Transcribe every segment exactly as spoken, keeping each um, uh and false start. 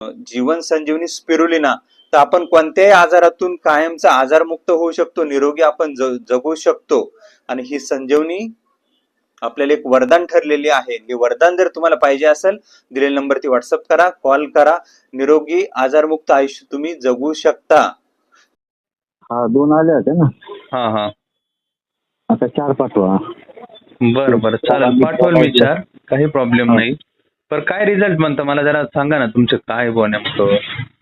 जीवन संजीवनी spirulina, तर आपण कोणत्याही आजारातून कायमचा आजारमुक्त होऊ शकतो, निरोगी आपण जगू शकतो. आणि ही संजीवनी आपल्याला एक वरदान ठरलेली आहे. हे वरदान जर तुम्हाला पाहिजे असेल, दिलेल्या नंबरवरती व्हॉट्सअप करा, कॉल करा. निरोगी आजारमुक्त आयुष्य तुम्ही जगू शकता. हा दोन आले होते ना. हा हा आता चार पाठवा. बरं बरं चालेल, पाठवल मी चार, काही प्रॉब्लेम नाही. पण काय रिझल्ट म्हणतं मला जरा सांगा ना, तुमचं काय बुवा नेमकं?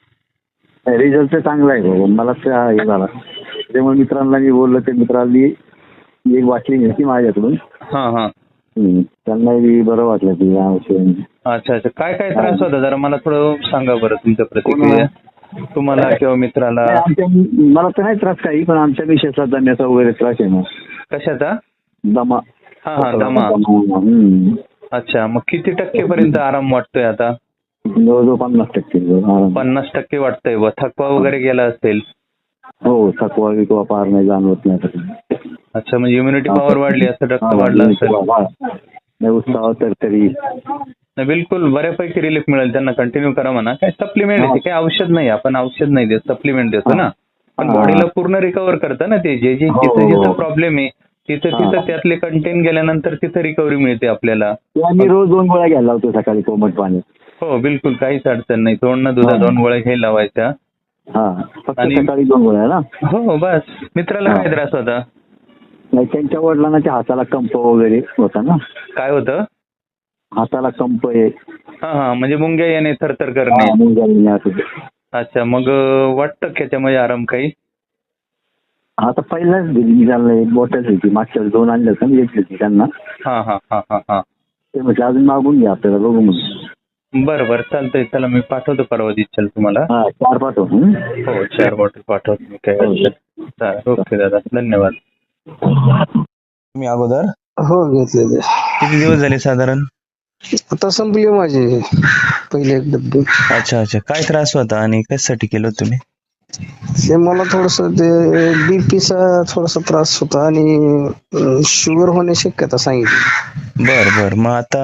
रिझल्ट चांगला आहे भाऊ, मला हे झाला त्यामुळे मित्रांना मी बोललो, ते मित्रांनी एक वाटली घेतली माझ्याकडून. हा हा त्यांनाही बरं वाटलं की औषध. अच्छा अच्छा, काय काय त्रास होता जरा मला थोडं सांगा बरं, तुमच्या प्रतिक्रिया. तुम्हाला किंवा मित्राला? आमच्या मला तर नाही त्रास काही, पण आमच्या मिसेसला दम्याचा वगैरे त्रास आहे ना. कशाचा? दमा. हा हा दमा. हम्म. अच्छा, मग किती टक्केपर्यंत आराम वाटतोय आता? जवळजवळ पन्नास टक्के. पन्नास टक्के वाटतंय. व थकवा वगैरे गेला असेल? हो, थकवा विकवा पार नाही जाणवत नाही. अच्छा, म्हणजे इम्युनिटी पॉवर वाढली, असं रक्त वाढलं असेल. उत्साह तर तरी बिलकुल बऱ्यापैकी रिलीफ मिळेल त्यांना. कंटिन्यू करा म्हणा. काय सप्लिमेंट आहे, काही औषध नाही, आपण औषध नाही देत, सप्लिमेंट देतो ना. पण बॉडीला पूर्ण रिकव्हर करतं ना ते. जे जे जिथं जिथं प्रॉब्लेम आहे तिथं तिथं त्यातले कंटेन गेल्यानंतर तिथं रिकव्हरी मिळते आपल्याला. मी रोज दोन गोळ्या घ्यायला लावतो सकाळी कोमट पाणी. हो बिलकुल, काहीच अडचण नाही. तोंडनं दुधा दोन गोळ्या घ्यायला लावायच्या. आणि सकाळी दोन गोळ्या ना. हो बस. मित्राला काय त्रास होता? नाही, त्यांच्या वडिलांना त्या हाताला कंप वगैरे होता ना. काय होतं? हाताला कंप आहे. हा हा, म्हणजे मुंग्या येणे, थरथर करणे. अच्छा, मग वाटतं त्याच्यामध्ये आराम काही? आता पहिलाच दिली झालं, एक बॉटल होती, मागच्या दोन आणल्या होत्या, एक होती त्यांना. हा हा हा हा हा ते म्हटलं अजून मागून घ्या आपल्याला, बघू म्हणून. बरं बरं चालतंय. चला मी पाठवतो परवा दिवशी तुम्हाला. हा चार पाठव. हो चार बॉटल पाठवतो मी. काय ओके दादा, धन्यवाद. मी अगोदर हो घेतले. किती दिवस झाले साधारण? आता संपली माझी पहिले एक डब्बी. अच्छा अच्छा, काय त्रास होता आणि कशासाठी केलं तुम्ही? ते मला थोडस ते बीपीचा थोडासा त्रास होता आणि शुगर होण्याची शक्यता सांगितली. बर बर, मग आता?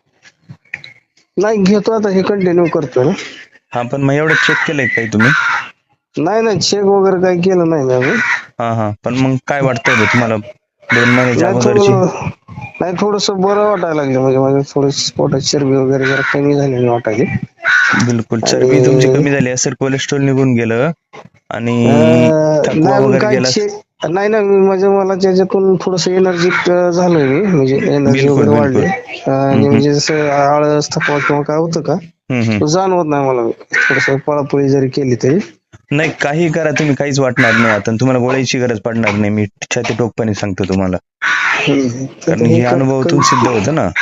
नाही घेतो आता, हे कंटिन्यू करतो ना. हा, पण मग एवढं चेक केलंय काही तुम्ही? नाही नाही, चेक वगैरे काही केलं नाही मी. हा हा, पण मग काय वाटतंय तुम्हाला दोन महिन्याच्या अगोदरची? नाही, थोडस बरं वाटायला लागलं, म्हणजे माझं थोडं पोटात चरबी वगैरे जरा कमी झालेली वाटायली. बिलकुल, चरबी तुमची कमी झाली असेल, कोलेस्ट्रॉल निघून गेलं आणि थकवा वगैरे गेला. नाही ना, म्हणजे मला त्याच्यातून थोडस एनर्जिक झालोय मी, म्हणजे एनर्जी वगैरे वाढली. आणि म्हणजे जसं आळस, थकवा किंवा काय होतं का जाणवत नाही मला. थोडस पळापळी जरी केली तरी नाही, काही करा तुम्ही, काहीच वाटणार नाही आता. तुम्हाला गोळ्याची गरज पडणार नाही, मी छाती टोकपणे सांगतो तुम्हाला, कारण हे अनुभवातून सिद्ध होतं ना.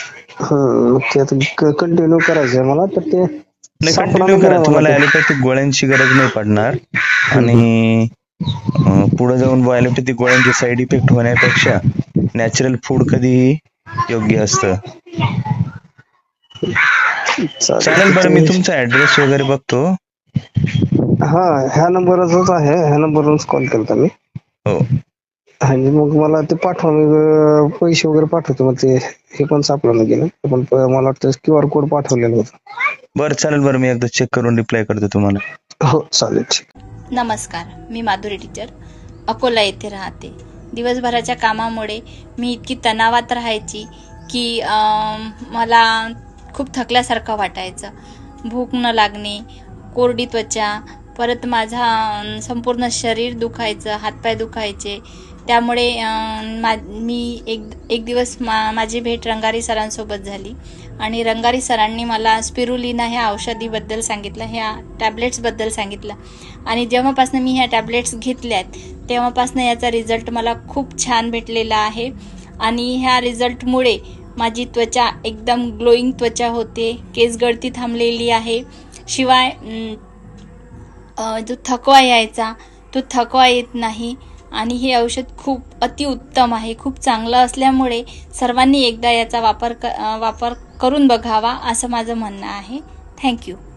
ते आता कंटिन्यू करायचंय मला. तर ते नाही, कंटिन्यू करा. तुम्हाला ॲलोपॅथिक गोळ्यांची गरज नाही पडणार. आणि पुढे जाऊन ॲलोपॅथिक गोळ्यांचे साईड इफेक्ट होण्यापेक्षा नॅचरल फूड कधीही योग्य असतं. चालेल, बरं मी तुमचा ऍड्रेस वगैरे बघतो. हा, ह्या नंबरच आहे, ह्या नंबरवरच कॉल केला मी. हो, आणि मग मला ते पाठवा, मी पैसे वगैरे पाठवतो. मग ते हे पण सापडलं गेलं, पण मला वाटतं क्यू आर कोड पाठवलेलं होतं. बरं चालेल, बरं मी एकदा चेक करून रिप्लाय करतो तुम्हाला. हो चालेल. नमस्कार, मी माधुरी टीचर, अकोला येथे राहते. दिवसभराच्या कामामुळे मी इतकी तणावात राहायची की मला खूप थकल्यासारखं वाटायचं. भूक न लागणे, कोरडी त्वचा, परत माझा संपूर्ण शरीर दुखायचं, हातपाय दुखायचे. त्यामुळे मा मी एक एक दिवस मा माझी भेट रंगारी सरांसोबत झाली आणि रंगारी सरांनी मला स्पिरुलिना ह्या औषधीबद्दल सांगितलं, ह्या टॅब्लेट्सबद्दल सांगितलं. आणि जेव्हापासून मी ह्या टॅब्लेट्स घेतल्यात तेव्हापासून याचा रिझल्ट मला खूप छान भेटलेला आहे. आणि ह्या रिझल्टमुळे माझी त्वचा एकदम ग्लोईंग त्वचा होते, केस गळती थांबलेली आहे. शिवाय जो थकवा यायचा तो थकवा येत नाही. आणि हे औषध खूप अतिउत्तम आहे, खूप चांगलं असल्यामुळे सर्वांनी एकदा याचा वापर क वापर करून बघावा असं माझं म्हणणं आहे. थँक्यू.